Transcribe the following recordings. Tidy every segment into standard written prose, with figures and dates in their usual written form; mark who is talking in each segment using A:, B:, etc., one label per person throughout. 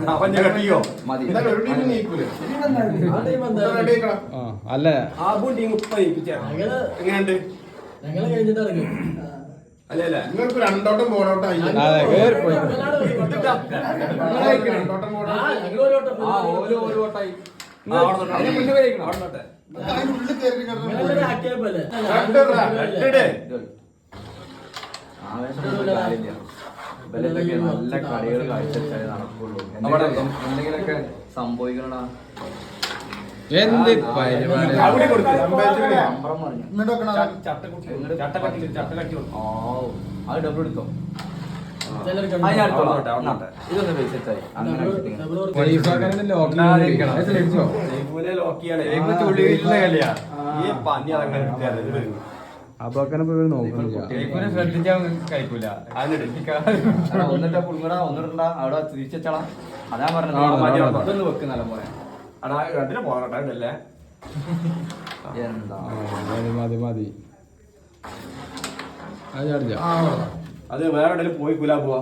A: അല്ല
B: എങ്ങനെയുണ്ട്
C: ഞങ്ങള് കഴിഞ്ഞിട്ട് ഇറങ്ങി.
B: അല്ലേ
D: നിങ്ങൾക്ക് രണ്ടോട്ടം ബോളോട്ടായി
E: നല്ല കളികൾ കാഴ്ചവെച്ചാലേ നടക്കുള്ളൂ. എന്തെങ്കിലൊക്കെ സംഭവിക്കണടാ.
A: എന്ത് പരിപാടി
E: അത് ഡബിൾ എടുത്തോ.
A: ശ്രദ്ധിച്ചാൽ കഴിക്കൂല.
E: ഒന്നിട്ട് പുളുങ്ങട ഒന്നിടണ്ട അവിടെ തിരിച്ചാ. അതാ പറഞ്ഞത് വെക്ക് നല്ല പോലെ. എന്താ
A: മതി മതി
B: അത് വേറെ എവിടെയും പോയി കുലാ പോവാ.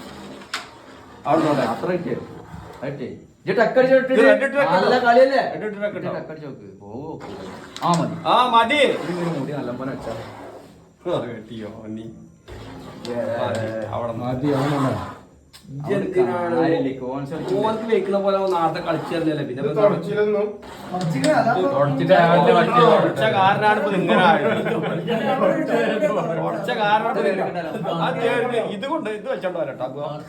B: അവിടെ
E: അത്ര നല്ല കളിയല്ലേ. ആ മതി മുടി നല്ല പോലെ വെച്ചാ
B: കെട്ടിയോ നീ
A: അവിടെ മതി. അവനുണ്ടോ
B: വെക്കുന്ന പോലെ നാളത്തെ കളിച്ചല്ലേ. പിന്നെ കാരനാണ് ഇപ്പൊ ഇങ്ങനെ ഇത് കൊണ്ട് ഇത് വെച്ചോണ്ടോ വരട്ടോ.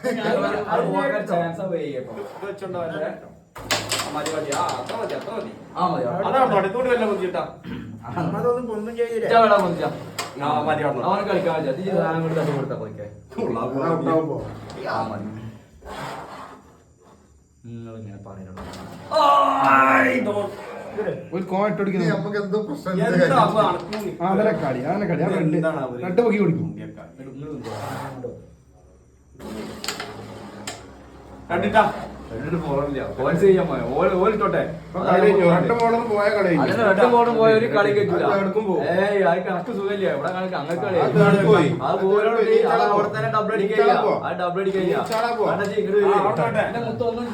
B: ഇത് വെച്ചോണ്ടോ വരെ. മതി മതി. ആ അത്ര മതി അത്ര മതി. അതാണ് ഇതുകൊണ്ട് വല്ല ബുദ്ധിട്ടാ. അതൊന്നും ഒന്നും ചെയ്യില്ല.
E: അവനെ കളിക്കാൻ കൊടുത്താ പോയിക്കേ. നിങ്ങളിങ്ങനെ പറയുന്നുണ്ടോ
D: ഒരു കോട്ട് അടിക്കുന്നത് നമുക്ക് എന്തോ പ്രശ്നം കളി അങ്ങനെ കളി രണ്ട് പൊക്കി കൊടുക്കും.
B: കണ്ടിട്ടാ
E: പോയ ഒരു കളി കിട്ടില്ല. കണക്ക് സുഖമില്ല ഇവിടെ കണക്ക് അങ്ങനെ കളി അവിടെ തന്നെ ഡബിൾ അടിക്കുക. ഡബിൾ അടിക്കുക മൊത്തം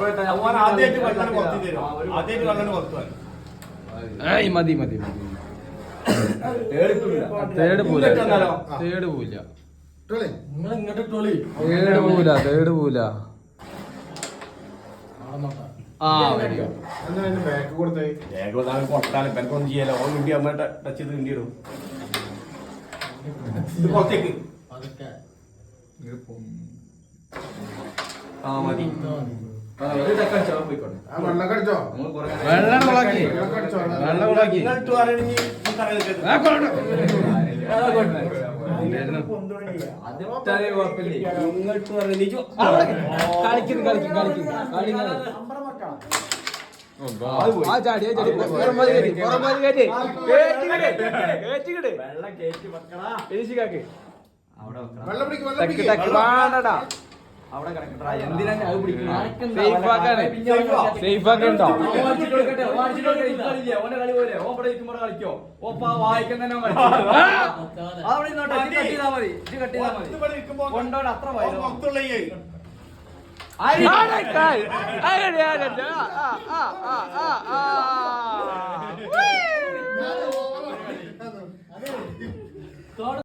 A: മതി മതി മതി. തേട് പോല തേട് പോല തേട് പോല തേട് പോല.
D: ബാക്ക് കൊടുത്തേ
B: കൊട്ടാലും പെനക്കൊന്നും ചെയ്യാലോ. ഓൺ വേണ്ടി അമ്മ ടച്ച് ചെയ്ത് വേണ്ടിയിടും. ഇത് പുറത്തേക്ക് മതി.
D: വെള്ളം കടിച്ചോ
A: വെള്ളം കൊളാക്കി വെള്ളം കൊളാക്കി. കളിക്കുന്നു കളിക്കും കളിക്കും കളിക്കുന്നു.
E: അവിടെ കിടക്കട്ടാ. എന്തിനാണ് അത് പിടിക്കുന്നത്?
A: സേഫാക്കണ്ടോ?
E: ഓന്റെ കളി പോലെ ഓപ്പടെ ഇരിക്കുമ്പോൾ കളിക്കോ. ഓപ്പ വായിക്കാൻ തന്നെ അവിടെ കട്ടിതാ മതി. ഇത് കട്ടിതാ മതി. കൊണ്ടോടെ അത്ര വൈകോ.